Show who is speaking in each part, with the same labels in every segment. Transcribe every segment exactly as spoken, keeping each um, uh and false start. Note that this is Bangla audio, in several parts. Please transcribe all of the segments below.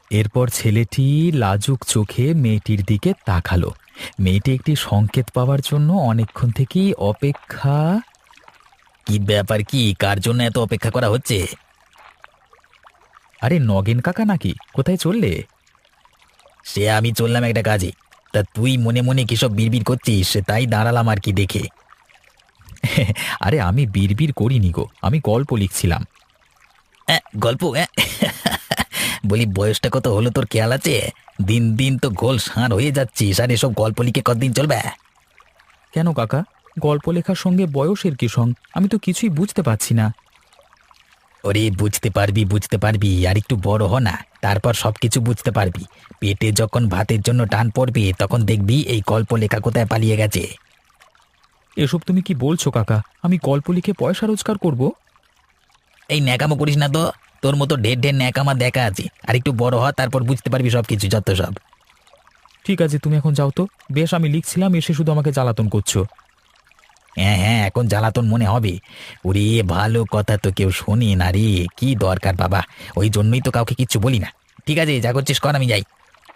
Speaker 1: এরপর ছেলেটি লাজুক চোখে মেয়েটির দিকে তাকালো। মেয়েটি একটি সংকেত পাওয়ার জন্য অনেকক্ষণ থেকেই অপেক্ষা। কি ব্যাপার, কি কার জন্য এত অপেক্ষা করা হচ্ছে? আরে নগেন কাকা নাকি? কোথায় চললে? সে আমি চললাম একটা কাজে। তা তুই মনে মনে কিসব বিড়বিড় করছিস, তাই দাঁড়ালাম আর কি দেখে। আরে আমি বিড়বিড় করিনি গো, আমি গল্প লিখছিলাম। অ্যাঁ, গল্প? অ্যাঁ, বলি বয়সটা কত হলো তোর খেয়াল আছে? দিন দিন তো গোল ষাঁড় হয়ে যাচ্ছিস, আর এসব গল্প লিখে কতদিন চলবে? কেন কাকা, গল্প লেখার সঙ্গে বয়সের কি সঙ্গ? আমি তো কিছুই বুঝতে পারছি না। ওরে বুঝতে পারবি, বুঝতে পারবি, আর একটু বড় হ না, তারপর সবকিছু বুঝতে পারবি। পেটে যখন ভাতের জন্য টান পড়বে তখন দেখবি এই গল্প লেখা কোথায় পালিয়ে গেছে। এসব তুমি কি বলছো কাকা? আমি গল্প লিখে পয়সা রোজগার করব? এই ন্যাকামো করিস না তো। তোর মতো ঢের ঢের ন্যাকামা দেখা আছে, আর একটু বড় হ, তারপর বুঝতে পারবি সবকিছু, যত সব। ঠিক আছে, তুমি এখন যাও তো। বেশ, আমি লিখছিলাম, এসে শুধু আমাকে জ্বালাতন করছো। হ্যাঁ হ্যাঁ, এখন জ্বালাতন মনে হবে। ওরে ভালো কথা তো কেউ শোনে না রে। কি দরকার বাবা, ওই জন্যই তো কাউকে কিচ্ছু বলি না। ঠিক আছে, যা করছিস কর, আমি যাই।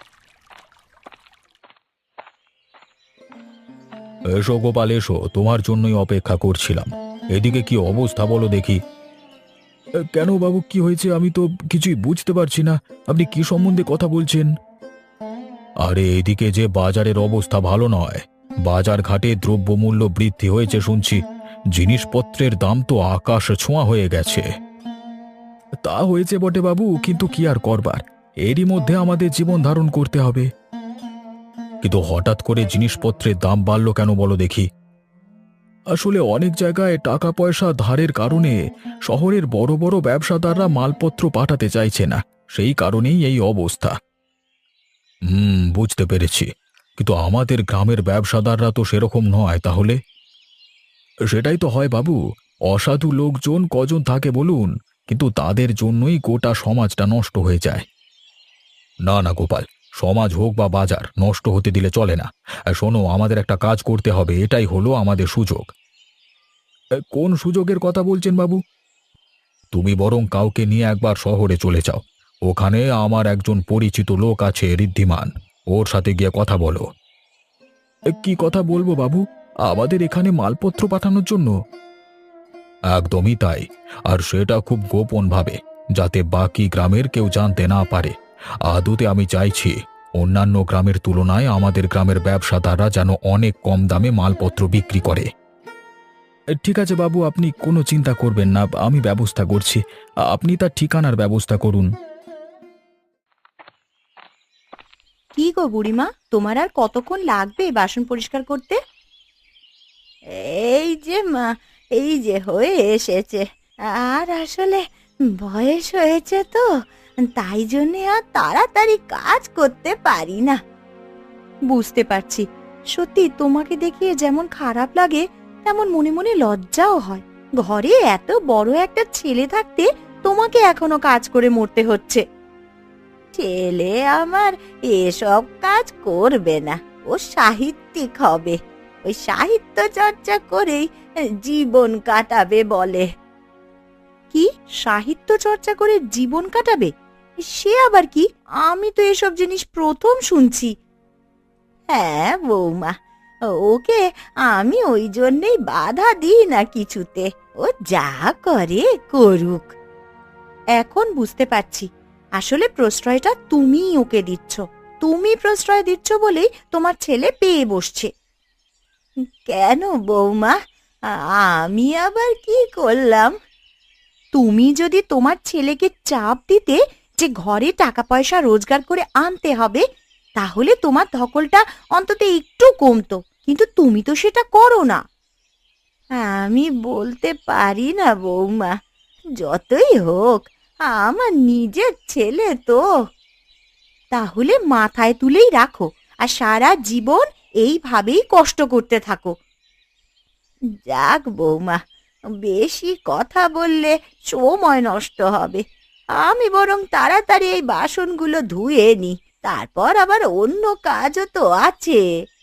Speaker 1: এসো গোপাল, এসো, তোমার জন্যই অপেক্ষা করছিলাম। এদিকে কি অবস্থা বলো দেখি। কেন বাবু, কি হয়েছে? আমি তো কিছুই বুঝতে পারছি না। আপনি কি সম্বন্ধে কথা বলছেন? আরে এদিকে যে বাজারের অবস্থা ভালো নয়। বাজার ঘাটে দ্রব্যমূল্য বৃদ্ধি হয়েছে শুনছি। জিনিসপত্রের দাম তো আকাশ ছোঁয়া হয়ে গেছে। তা হয়েছে বটে বাবু, কিন্তু কি আর করবার, এরই মধ্যে আমাদের জীবন ধারণ করতে হবে। কিন্তু হঠাৎ করে জিনিসপত্রের দাম বাড়লো কেন বলো দেখি। আসলে অনেক জায়গায় টাকা পয়সা ধারের কারণে শহরের বড় বড় ব্যবসাদাররা মালপত্র পাঠাতে চাইছে না, সেই কারণেই এই অবস্থা। হুম, বুঝতে পেরেছি। কিন্তু আমাদের গ্রামের ব্যবসাদাররা তো সেরকম নয় তাহলে। সেটাই তো হয় বাবু, অসাধু লোকজন কজন থাকে বলুন, কিন্তু তাদের জন্যই গোটা সমাজটা নষ্ট হয়ে যায়। না না গোপাল, সমাজ হোক বা বাজার, নষ্ট হতে দিলে চলে না। আর শোনো, আমাদের একটা কাজ করতে হবে, এটাই হলো আমাদের সুযোগ। এ, কোন সুযোগের কথা বলছেন বাবু? তুমি বরং কাউকে নিয়ে একবার শহরে চলে যাও। ওখানে আমার একজন পরিচিত লোক আছে, ঋদ্ধিমান। ওর সাথে গিয়ে কথা বলো। এ, কি কথা বলবো বাবু? আমাদের এখানে মালপত্র পাঠানোর জন্য? একদমই তাই। আর সেটা খুব গোপন ভাবে, যাতে বাকি গ্রামের কেউ জানতে না পারে। আদতে আমি চাইছি অন্যান্য গ্রামের তুলনায় আমাদের গ্রামের ব্যবসাদাররা যেন অনেক কম দামে মালপত্র বিক্রি করে। ঠিক আছে বাবু, আপনি কোনো চিন্তা করবেন না, আমি ব্যবস্থা করছি। আপনি তার ঠিকানার ব্যবস্থা করুন।
Speaker 2: কি গো বুড়িমা, তোমার আর কতক্ষণ লাগবে বাসন পরিষ্কার করতে? এই যে মা, এই যে হয়ে এসেছে। আর আসলে বয়স হয়েছে তো, তাই জন্যে আর তাড়াতাড়ি কাজ করতে পারি না। বুঝতে পারছি। সত্যি তোমাকে দেখিয়ে যেমন খারাপ লাগে, তেমন মনে মনে লজ্জাও হয়। ঘরে এত বড় একটা ছেলে থাকতে তোমাকে এখনো কাজ করে মরতে হচ্ছে। ছেলে আমার এসব কাজ করবে না, ও সাহিত্যিক হবে। ওই সাহিত্য চর্চা করেই জীবন কাটাবে বলে। কি? সাহিত্য চর্চা করে জীবন কাটাবে? সে আবার কি? আমি তো এসব জিনিস প্রথম শুনছি। হ্যাঁ বৌমা, ওকে আমি ওই জন্যেই বাধা দিই না কিছুতে। ও যা করে করুক। এখন বুঝতে পারছি, আসলে প্রশ্রয়টা তুমিই ওকে দিচ্ছ। তুমি প্রশ্রয় দিচ্ছ বলেই তোমার ছেলে পেয়ে বসছে। কেন বৌমা, আমি আবার কি করলাম? তুমি যদি তোমার ছেলেকে চাপ দিতে যে ঘরে টাকা পয়সা রোজগার করে আনতে হবে, তাহলে তোমার ধকলটা অন্তত একটু কমতো। কিন্তু তুমি তো সেটা করো না। আমি বলতে পারি না বৌমা, যতই হোক আমার নিজের ছেলে তো। তাহলে মাথায় তুলেই রাখো, আর সারা জীবন এইভাবেই কষ্ট করতে থাকো। যাক বৌমা, বেশি কথা বললে সময় নষ্ট হবে। আমি বরং তাড়াতাড়ি এই বাসনগুলো ধুয়ে নি, তারপর আবার অন্য কাজও তো আছে।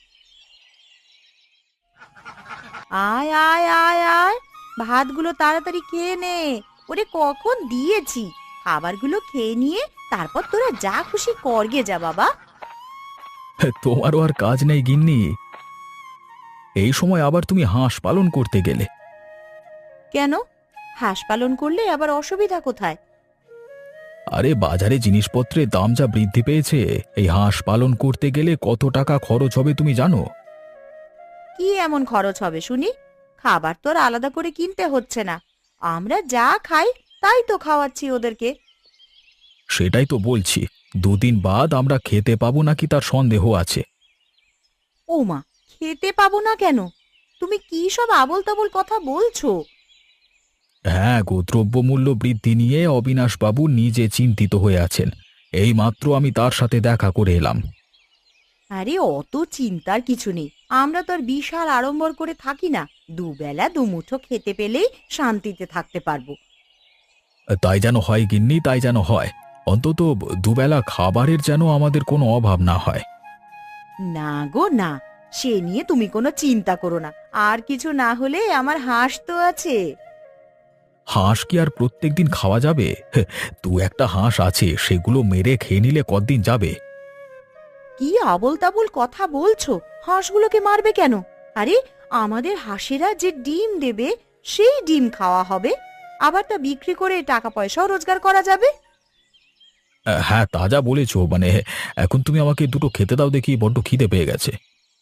Speaker 2: আয় আয় আয় আয়, ভাতগুলো তাড়াতাড়ি খেয়ে নে। ওরে কখন দিয়েছি! খাবারগুলো খেয়ে নিয়ে তারপর তোরা যা খুশি করগে যা বাবা।
Speaker 1: তোমারও আর কাজ নেই গিন্নি? এই সময় আবার তুমি হাঁস পালন করতে গেলে?
Speaker 2: কেন, হাঁস পালন করলে আবার অসুবিধা কোথায়?
Speaker 1: আরে বাজারে জিনিসপত্রের দাম যা বৃদ্ধি পেয়েছে, এই হাঁস পালন করতে গেলে কত টাকা খরচ হবে তুমি জানো?
Speaker 2: কি এমন খরচ হবে শুনি? খাবার তো আর আলাদা করে কিনতে হচ্ছে না, আমরা যা খাই তাই তো খাওয়াচ্ছি ওদেরকে।
Speaker 1: সেটাই তো বলছি, দুদিন বাদ আমরা খেতে পাবো নাকি তার সন্দেহ আছে।
Speaker 2: ও মা, খেতে পাবো না কেন? তুমি কি সব আবোল তাবোল কথা বলছো?
Speaker 1: হ্যাঁ গো, দ্রব্যমূল্য বৃদ্ধি নিয়ে অবিনাশবাবু নিজে চিন্তিত হয়ে আছেন। এই মাত্র আমি তার সাথে দেখা করে এলাম।
Speaker 2: আরে অত চিন্তার কিছু নেই, আমরা তো আর বিশাল আড়ম্বর করে থাকি না, দুবেলা দুমুঠো খেতে পেলেই শান্তিতে থাকতে পারবো।
Speaker 1: তাই যেন হয় গিন্নি, তাই যেন হয়। অন্তত দুবেলা খাবারের যেন আমাদের কোনো অভাব না হয়।
Speaker 2: না গো না, সে নিয়ে তুমি কোনো চিন্তা করো না, আর কিছু না হলে আমার হাঁস তো আছে।
Speaker 1: হাঁস কি আর প্রত্যেকদিন খাওয়া যাবে? হে, দু একটা হাঁস আছে, সেগুলো মেরে খেয়ে নিলে কতদিন যাবে?
Speaker 2: কি আবোল তাবোল কথা বলছো? হাঁসগুলোকে মারবে কেন? আরে আমাদের হাঁসেরা যে ডিম দেবে সেই ডিম খাওয়া হবে, আবার তা বিক্রি করে টাকা পয়সাও রোজগার করা যাবে।
Speaker 1: আহ, হ্যাঁ তা যা বলেছো, মানে এখন তুমি আমাকে দুটো খেতে দাও দেখি, বড্ড খিদে পেয়ে গেছে।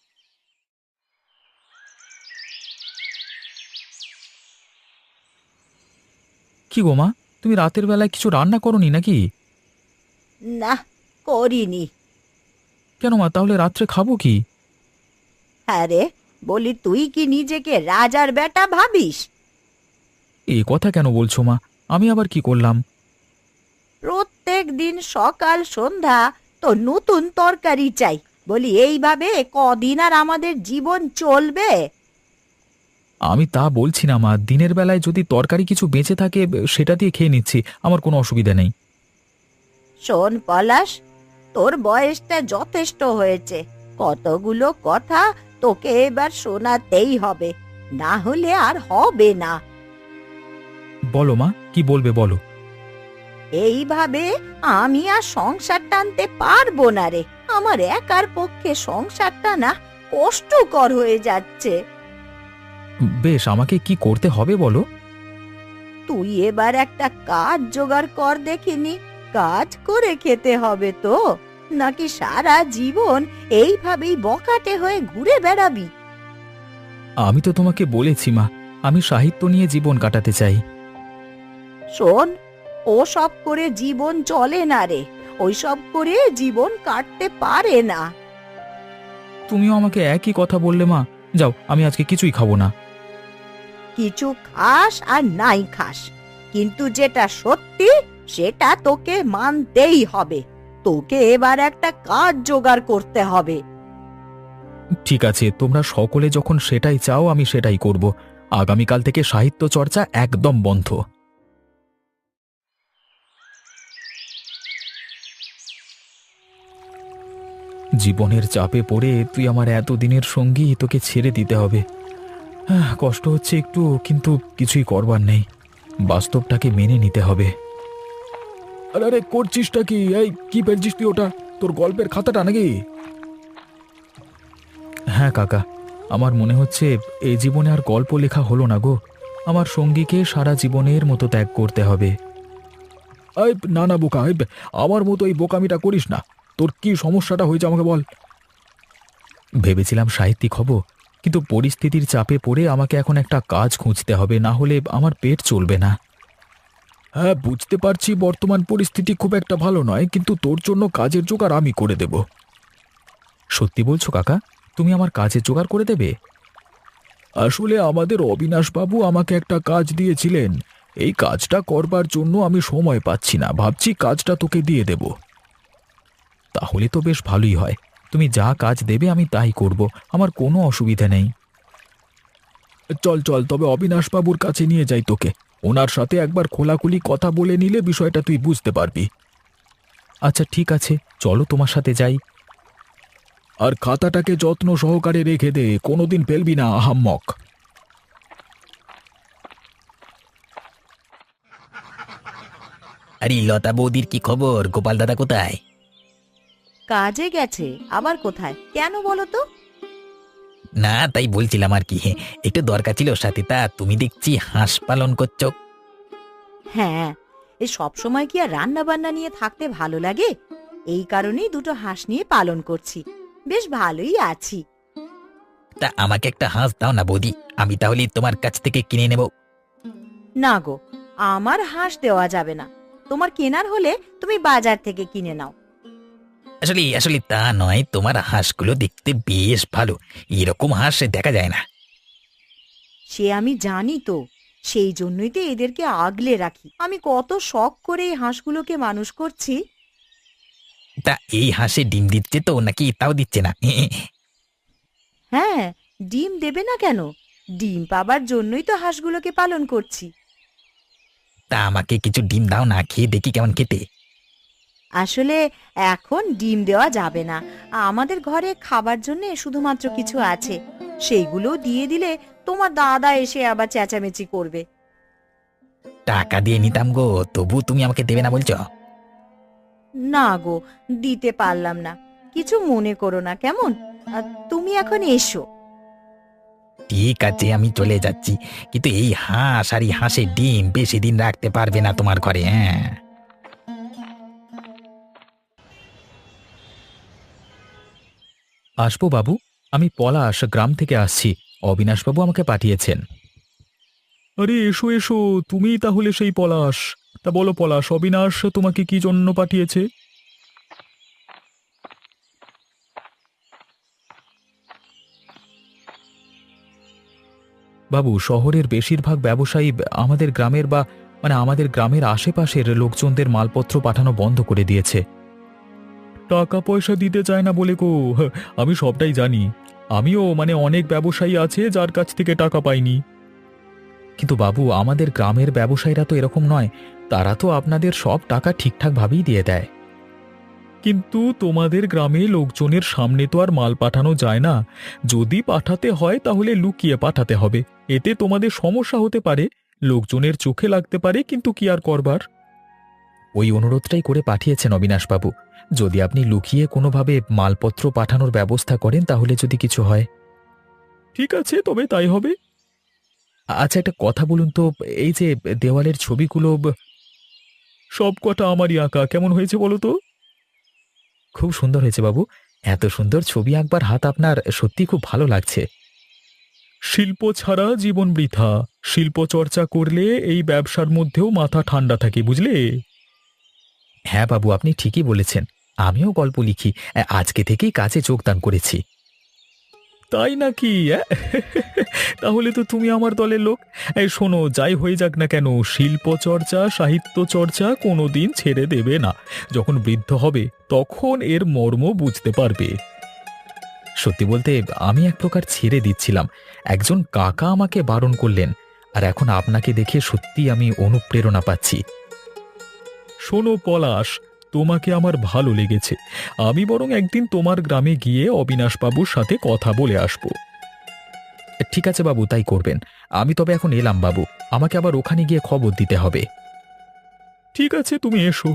Speaker 1: কি গো মা, তুমি রাতের বেলায় কিছু রান্না করনি নাকি?
Speaker 2: না, করিনি।
Speaker 1: কেন মা, তাহলে রাত্রে খাবো কি?
Speaker 2: আরে বলি, তুই কি নিজেকে রাজার বেটা ভাবিস?
Speaker 1: এ কথা কেন বলছো মা? আমি আবার কি করলাম?
Speaker 2: প্রত্যেক দিন সকাল সন্ধ্যা তো নতুন তরকারি চাই, বলি এইভাবে কদিন আর আমাদের জীবন চলবে?
Speaker 1: আমি তা বলছি না মা, দিনের বেলায় যদি তরকারি কিছু বেঁচে থাকে সেটা দিয়ে খেয়ে নিচ্ছি, আমার কোনো অসুবিধা নেই।
Speaker 2: শোন পলাশ, তোর বয়সটা যথেষ্ট হয়েছে, কতগুলো কথা তোকে এবার শোনাতেই হবে, না হলে আর হবে না।
Speaker 1: বলো মা, কি বলবে বলো।
Speaker 2: এইভাবে আমি আর সংসার টানতে পারবো না রে, আমার একার পক্ষে সংসারটা না কষ্টকর হয়ে যাচ্ছে।
Speaker 1: বেশ, আমাকে কি করতে হবে বলো।
Speaker 2: তুই এবার একটা কাজ জোগাড় কর দেখিনি, কাজ করে খেতে হবে তো, নাকি সারা জীবন এইভাবেই বকাটে হয়ে ঘুরে বেড়াবি?
Speaker 1: আমি তো তোমাকে বলেছি মা, আমি সাহিত্য নিয়ে জীবন কাটাতে চাই।
Speaker 2: শোন, ও সব করে জীবন চলে না রে, ওই সব করে জীবন কাটতে পারে না।
Speaker 1: তুমিও আমাকে একই কথা বললে মা। যাও, আমি আজকে কিছুই খাবো না।
Speaker 2: কিছু খাস আর নাই খাস, কিন্তু যেটা সত্যি সেটা তোকে মানতেই হবে। তোকে এবার একটা কাজ জোগাড় করতে হবে।
Speaker 1: ঠিক আছে, তোমরা সকলে যখন সেটাই চাও আমি সেটাই করব। আগামীকাল থেকে সাহিত্য চর্চা একদম বন্ধ। জীবনের চাপে পড়ে তুই আমার এতদিনের সঙ্গী, তোকে ছেড়ে দিতে হবে। আহ, কষ্ট হচ্ছে একটু, কিন্তু কিছুই করবার নেই, বাস্তবটাকে মেনে নিতে হবে। আরে আরে করছিসটা কি? এই কি পেয়েছিস তুই ওটা? তোর গল্পের খাতাটা নাকি? হ্যাঁ কাকা, আমার মনে হচ্ছে এই জীবনে আর গল্প লেখা হলো না গো। আমার সঙ্গীকে সারা জীবনের মতো ত্যাগ করতে হবে। এই না না বোকা, এই আমার মতো এই বোকামিটা করিস না। তোর কি সমস্যাটা হয়েছে আমাকে বল। ভেবেছিলাম সাহিত্যিক হব, কিন্তু পরিস্থিতির চাপে পড়ে আমাকে এখন একটা কাজ খুঁজতে হবে, না হলে আমার পেট চলবে না। হ্যাঁ বুঝতে পারছি বর্তমান পরিস্থিতি খুব একটা ভালো নয়, কিন্তু তোর জন্য কাজের জোগাড় আমি করে দেব। সত্যি বলছো কাকা? তুমি আমার কাজের জোগাড় করে দেবে? আসলে আমাদের অবিনাশবাবু আমাকে একটা কাজ দিয়েছিলেন, এই কাজটা করবার জন্য আমি সময় পাচ্ছি না, ভাবছি কাজটা তোকে দিয়ে দেব। তাহলে তো বেশ ভালোই হয়, তুমি যা কাজ দেবে আমি তাই করব, আমার কোনো অসুবিধা নেই। চল চল, তবে অবিনাশবাবুর কাছে নিয়ে যাই তোকে, ওনার সাথে একবার খোলাখুলি কথা বলে নিলে বিষয়টা তুই বুঝতে পারবি। আচ্ছা ঠিক আছে, চলো তোমার সাথে যাই। আর খাতাটাকে যত্ন সহকারে রেখে দে, কোনোদিন ফেলবি না আহাম্মক।
Speaker 3: আরে লতা বৌদির কি খবর? গোপাল দাদা কোথায়?
Speaker 2: কাজে গেছে, আবার কোথায়, কেন বলো তো?
Speaker 3: না, তাই বলছিলাম আর কি, একটু দরকার ছিল ওর সাথে। তা তুমি দেখছি হাঁস পালন করছো।
Speaker 2: হ্যাঁ, এই সব সময় কি আর রান্না বান্না নিয়ে থাকতে ভালো লাগে? এই কারণেই দুটো হাঁস নিয়ে পালন করছি। বেশ ভালোই আছি।
Speaker 3: তা আমাকে একটা হাঁস দাও না বৌদি, আমি তাহলে তোমার কাছ থেকে কিনে নেব।
Speaker 2: না গো, আমার হাঁস দেওয়া যাবে না। তোমার কেনার হলে তুমি বাজার থেকে কিনে নাও।
Speaker 3: আসলে আসলে তা নয়, তোমার হাঁসগুলো দেখতে বেশ ভালো, এরকম হাঁস দেখা যায় না।
Speaker 2: সে আমি জানি তো, সেই জন্যই তো এদেরকে আগলে রাখি। আমি কত শখ করে এই হাঁসগুলোকে মানুষ করছি।
Speaker 3: তা এই হাঁসে ডিম দিচ্ছে তো নাকি তাও দিচ্ছে না?
Speaker 2: হ্যাঁ, ডিম দেবে না কেন? ডিম পাবার জন্যই তো হাঁসগুলোকে পালন করছি।
Speaker 3: তা আমাকে কিছু ডিম দাও না, খেয়ে দেখি কেমন খেতে।
Speaker 2: আসলে এখন ডিম দেওয়া যাবে না। আমাদের ঘরে খাবার জন্য শুধুমাত্র কিছু আছে, সেইগুলো দিয়ে দিলে তোমার দাদা এসে আবার চেঁচামেচি করবে।
Speaker 3: টাকা দিয়ে নিতাম গো, তবু তুমি আমাকে দেবে না বলছো?
Speaker 2: না গো, দিতে পারলাম না। কিছু মনে করো না কেমন? আহ, তুমি এখন এসো।
Speaker 3: ঠিক আছে, আমি চলে যাচ্ছি, কিন্তু এই হাঁস আর এই হাঁসের ডিম বেশি দিন রাখতে পারবে না তোমার ঘরে। হ্যাঁ,
Speaker 1: আসবো বাবু, আমি পলাশ, গ্রাম থেকে আসছি। অবিনাশবাবু আমাকে পাঠিয়েছেন। আরে এসো এসো, তুমিই তাহলে সেই পলাশ। তা বলো পলাশ, অবিনাশ তোমাকে কি জন্য পাঠিয়েছে? বাবু, শহরের বেশিরভাগ ব্যবসায়ী আমাদের গ্রামের বা মানে আমাদের গ্রামের আশেপাশের লোকজনদের মালপত্র পাঠানো বন্ধ করে দিয়েছে। টাকা পয়সা দিতে চায় না বলে গো, আমি সবটাই জানি। আমিও মানে অনেক ব্যবসায়ী আছে যার কাছ থেকে টাকা পাইনি। কিন্তু বাবু, আমাদের গ্রামের ব্যবসায়ীরা তো এরকম নয়। তারা তো আপনাদের সব টাকা ঠিকঠাকভাবেই দিয়ে দেয়। কিন্তু তোমাদের গ্রামে লোকজনের সামনে তো আর মাল পাঠানো যায় না। যদি পাঠাতে হয় তাহলে লুকিয়ে পাঠাতে হবে। এতে তোমাদের সমস্যা হতে পারে, লোকজনের চোখে লাগতে পারে, কিন্তু কি আর করবার। ওই অনুরোধটাই করে পাঠিয়েছেন অবিনাশবাবু। যদি আপনি লুকিয়ে কোনোভাবে মালপত্র পাঠানোর ব্যবস্থা করেন তাহলে যদি কিছু হয়। ঠিক আছে, তবে তাই হবে। আচ্ছা, একটা কথা বলুন তো, এই যে দেওয়ালের ছবিগুলো, সব কটা আমারই আঁকা, কেমন হয়েছে বলো তো? খুব সুন্দর হয়েছে বাবু। এত সুন্দর ছবি আঁকবার হাত আপনার সত্যি খুব ভালো লাগছে। শিল্প ছাড়া জীবন বৃথা। শিল্প চর্চা করলে এই ব্যবসার মধ্যেও মাথা ঠান্ডা থাকে, বুঝলে? হ্যাঁ বাবু, আপনি ঠিকই বলেছেন। আমিও গল্প লিখি, আজকে থেকেই কাজে যোগদান করেছি। তাই নাকি? অ্যা? তাহলে তো তুমি আমার দলের লোক। এই শোনো, যাই হয়ে যাক না কেন, শিল্প চর্চা, সাহিত্য চর্চা কোনোদিন ছেড়ে দেবে না। যখন বৃদ্ধ হবে তখন এর মর্ম বুঝতে পারবে। সত্যি বলতে আমি এক প্রকার ছেড়ে দিচ্ছিলাম। একজন কাকা আমাকে বারণ করলেন, আর এখন আপনাকে দেখে সত্যি আমি অনুপ্রেরণা পাচ্ছি। শোনো পলাশ, তোমাকে আমার ভালো লেগেছে। আমি বরং একদিন তোমার গ্রামে গিয়ে অবিনাশবাবুর সাথে কথা বলে আসব। ঠিক আছে বাবু, তাই করবেন। আমি তবে এখন এলাম বাবু, আমাকে আবার ওখানে গিয়ে খবর দিতে হবে। ঠিক আছে, তুমি এসো।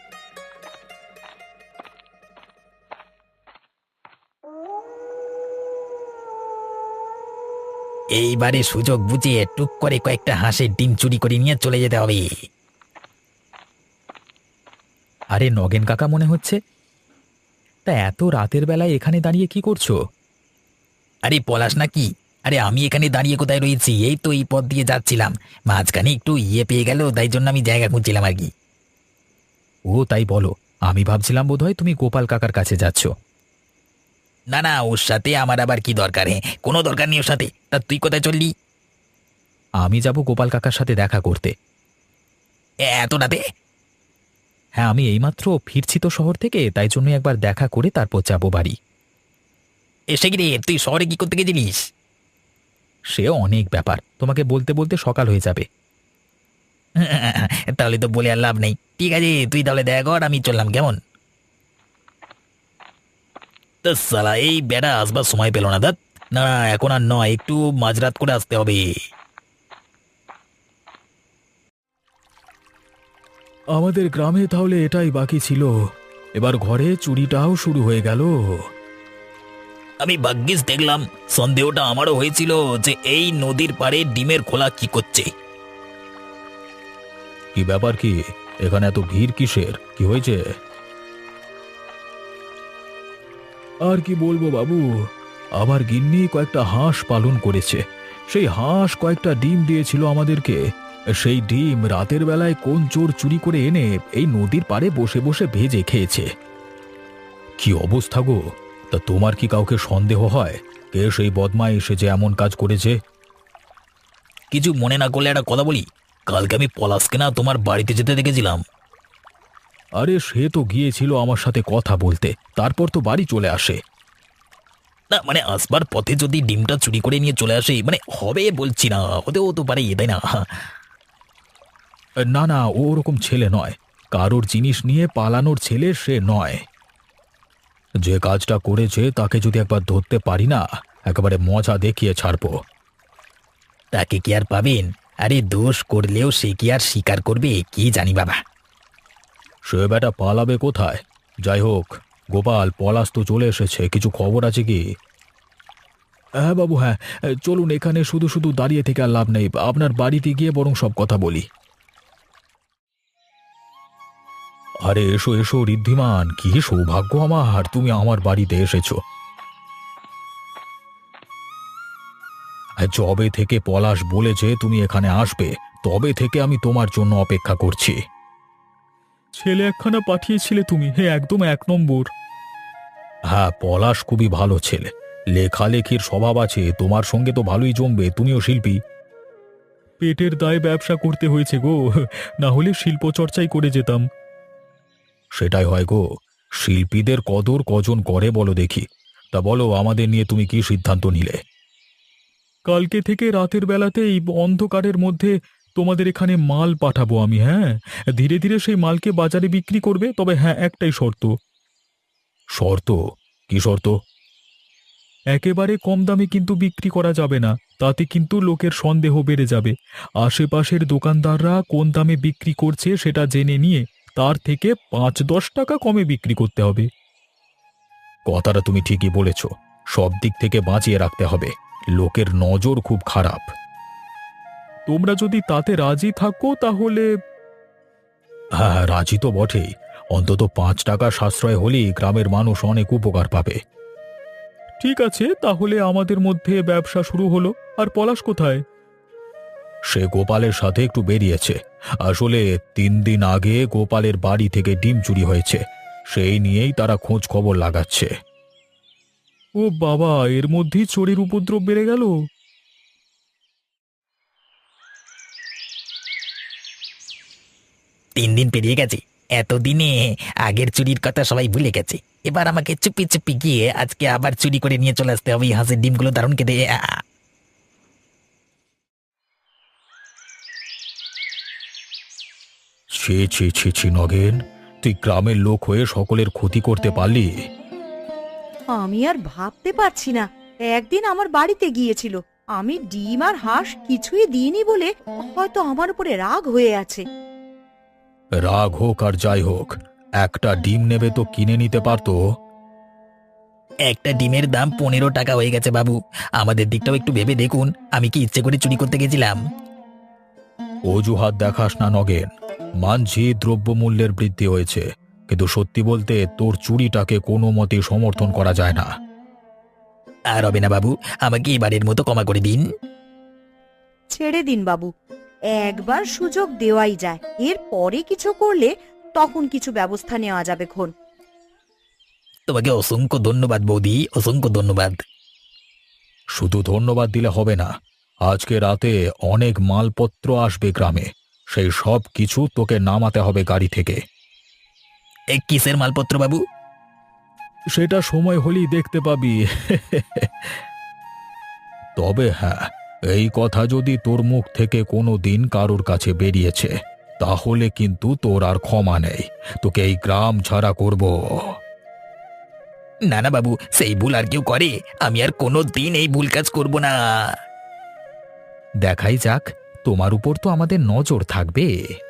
Speaker 3: এইবারে সুযোগ বুঝে টুক করে কয়েকটা হাঁসের ডিম চুরি করে নিয়ে চলে যেতে হবে।
Speaker 1: আরে নগেন কাকা মনে হচ্ছে। তা এত রাতের বেলায় এখানে দাঁড়িয়ে কি করছো?
Speaker 3: আরে পলাশ নাকি? আরে আমি এখানে দাঁড়িয়ে কোথায় রয়েছি, এই তো এই পথ দিয়ে যাচ্ছিলাম, মাঝখানে একটু ইয়ে পেয়ে গেল, তাই জন্য আমি জায়গা খুঁজছিলাম আর কি।
Speaker 1: ও তাই বলো, আমি ভাবছিলাম বোধহয় তুমি গোপাল কাকার কাছে যাচ্ছ।
Speaker 3: না না, ওর সাথে আমার আবার কি দরকার? হ্যাঁ, কোনো দরকার নেই ওর সাথে। তা তুই কোথায় চললি?
Speaker 1: আমি যাব গোপাল কাকার সাথে দেখা করতে।
Speaker 3: এ, এত রাতে?
Speaker 1: হ্যাঁ, আমি এইমাত্র ফিরছি তো শহর থেকে, তাই জন্য একবার দেখা করে তারপর যাব বাড়ি।
Speaker 3: এসে কি রে, তুই শহরে কি করতে গেছিলিস?
Speaker 1: সে অনেক ব্যাপার, তোমাকে বলতে বলতে সকাল হয়ে যাবে।
Speaker 3: তাহলে তো বলে আর লাভ নেই। ঠিক আছে, তুই তাহলে দেখা কর, আমি চললাম, কেমন? তো সালা এই বেড়া আসবার সময় পেল না। দাঁত না, এখন আর নয়, একটু মাঝরাত করে আসতে হবে।
Speaker 1: আমাদের গ্রামে তাহলে এটাই বাকি ছিল। এবার ঘরে চুরিটাও শুরু হয়ে গেল।
Speaker 3: আমি ভাগ্যিস দেখলাম, সন্দেহটা আমারও হয়েছিল যে এই নদীর পাড়ে ডিমের খোলা কি করছে।
Speaker 1: কি ব্যাপার, কি এখানে এত ভিড় কিসের, কি হয়েছে? আর কি বলবো বাবু, আমার গিন্নি কয়েকটা হাঁস পালন করেছে। সেই হাঁস কয়েকটা ডিম দিয়েছিল আমাদেরকে। সেই ডিম রাতের বেলায় কোন চোর চুরি করে এনে এই নদীর পাড়ে বসে বসে ভেজে খেয়েছে। কি অবস্থা গো! তা তোমার কি কাউকে সন্দেহ হয় কে সেই বদমাই এসে যে এমন কাজ করেছে?
Speaker 3: কিছু মনে না করলে একটা কথা বলি, কালকে আমি পলাশকে না তোমার বাড়িতে যেতে দেখেছিলাম।
Speaker 1: আরে সে তো গিয়েছিল আমার সাথে কথা বলতে, তারপর তো বাড়ি চলে আসে।
Speaker 3: না মানে আসবার পথে যদি ডিমটা চুরি করে নিয়ে চলে আসে, মানে হবে বলছি না, হতেও তো পারে, তাই না?
Speaker 1: না না, ও ওরকম ছেলে নয়। কারোর জিনিস নিয়ে পালানোর ছেলে সে নয়। যে কাজটা করেছে তাকে যদি একবার ধরতে পারি না, একেবারে মজা দেখিয়ে ছাড়বো।
Speaker 3: তাকে কি আর পাবেন? আরে দোষ করলেও সে কি আর স্বীকার করবে, কি জানি বাবা।
Speaker 1: সে বেটা পালাবে কোথায়? যাই হোক, গোপাল, পলাশ তো চলে এসেছে, কিছু খবর আছে কি? হ্যাঁ বাবু, হ্যাঁ, চলুন, এখানে শুধু শুধু দাঁড়িয়ে থেকে আর লাভ নেই, আপনার বাড়িতে গিয়ে বরং সব কথা বলি। আরে এসো এসো ঋদ্ধিমান, কি সৌভাগ্য আমার, তুমি আমার বাড়িতে এসেছো। যবে থেকে পলাশ বলেছে তুমি এখানে আসবে, তবে থেকে আমি তোমার জন্য অপেক্ষা করছি। ছেলে একখানা পাঠিয়েছিলে তুমি, হে একদম এক নম্বর। হ্যাঁ, পলাশ খুবই ভালো ছেলে, লেখালেখির স্বভাব আছে, তোমার সঙ্গে তো ভালোই জমবে, তুমিও শিল্পী। পেটের দায়ে ব্যবসা করতে হয়েছে গো, না হলে শিল্প চর্চাই করে যেতাম। সেটাই হয় গো, শিল্পীদের কদর কজন করে বলো দেখি। তা বলো, আমাদের নিয়ে তুমি কি সিদ্ধান্ত নিলে? কালকে থেকে রাতের বেলাতেই অন্ধকারের মধ্যে তোমাদের এখানে মাল পাঠাবো আমি। হ্যাঁ, ধীরে ধীরে সেই মালকে বাজারে বিক্রি করবে, তবে হ্যাঁ, একটাই শর্ত। শর্ত? কি শর্ত? একেবারে কম দামে কিন্তু বিক্রি করা যাবে না, তাতে কিন্তু লোকের সন্দেহ বেড়ে যাবে। আশেপাশের দোকানদাররা কোন দামে বিক্রি করছে সেটা জেনে নিয়ে তার থেকে পাঁচ দশ টাকা কমে বিক্রি করতে হবে। কথাটা তুমি ঠিকই বলেছ, সব দিক থেকে বাঁচিয়ে রাখতে হবে, লোকের নজর খুব খারাপ। তোমরা যদি তাতে রাজি থাকো তাহলে? হ্যাঁ হ্যাঁ, রাজি তো বটেই, অন্তত পাঁচ টাকা সাশ্রয় হলেই গ্রামের মানুষ অনেক উপকার পাবে। ঠিক আছে, তাহলে আমাদের মধ্যে ব্যবসা শুরু হলো। আর পলাশ কোথায়? সে গোপালের সাথে একটু বেরিয়েছে। আসলে তিন দিন আগে গোপালের বাড়ি থেকে ডিম চুরি হয়েছে, সেই নিয়েই তারা খোঁজ খবর লাগাচ্ছে। ও বাবা, এর মধ্যেই চোরের উপদ্রব বেড়ে গেল।
Speaker 3: তিন দিন পেরিয়ে গেছে, এতদিনে আগের চুরির কথা সবাই ভুলে গেছে। এবার আমাকে চুপি চুপি গিয়ে আজকে আবার চুরি করে নিয়ে চলে আসতে হবে। এই হাঁসের ডিমগুলো দারুণ খেতে। আ!
Speaker 1: ছি ছি ছি ছি নগেন, তুই গ্রামের লোক হয়ে সকলের ক্ষতি করতে পারলি।
Speaker 2: আমি আর ভাবতে পারছি না, একদিন আমার বাড়িতে গিয়েছিল, আমি ডিম আর হাঁস কিছুই দিইনি বলে হয়তো আমার উপরে রাগ হয়ে আছে।
Speaker 1: রাগ হোক আর যাই হোক, একটা ডিম নেবে তো কিনে নিতে পারতো।
Speaker 3: একটা ডিমের দাম পনেরো টাকা হয়ে গেছে বাবু, আমাদের দিকটাও একটু ভেবে দেখুন। আমি কি ইচ্ছে করে চুরি করতে গেছিলাম?
Speaker 1: অজুহাত দেখাস না নগেন, মানছি দ্রব্যমূল্যের বৃদ্ধি হয়েছে, কিন্তু সত্যি বলতে তোর চুরিটাকে কোনো মতে সমর্থন করা যায় না।
Speaker 3: আর হবে না বাবু, আমাকে এবারের মতো ক্ষমা করে দিন।
Speaker 2: ছেড়ে দিন বাবু, একবার সুযোগ দেওয়াই যায়, এর পরে কিছু করলে তখন কিছু ব্যবস্থা নেওয়া যাবে খন।
Speaker 3: তোমাকে অসংখ্য ধন্যবাদ বৌদি, অসংখ্য ধন্যবাদ।
Speaker 1: শুধু ধন্যবাদ দিলে হবে না, আজকে রাতে অনেক মালপত্র আসবে গ্রামে, সেই সব কিছু তোকে নামাতে হবে গাড়ি থেকে।
Speaker 3: এ কিসের মালপত্র বাবু?
Speaker 1: সেটা সময় হলেই দেখতে পাবি। তবে হ্যাঁ, এই কথা যদি তোর মুখ থেকে কোনো দিন কারোর কাছে বেরিয়েছে, তাহলে কিন্তু তোর আর ক্ষমা নেই, তোকে এই গ্রাম ছাড়া করব।
Speaker 3: না না বাবু, সেই ভুল আর কেউ করে? আমি আর কোনো দিন এই ভুল কাজ করব না।
Speaker 1: দেখাই যাক, তোমার উপর তো আমাদের নজর থাকবে।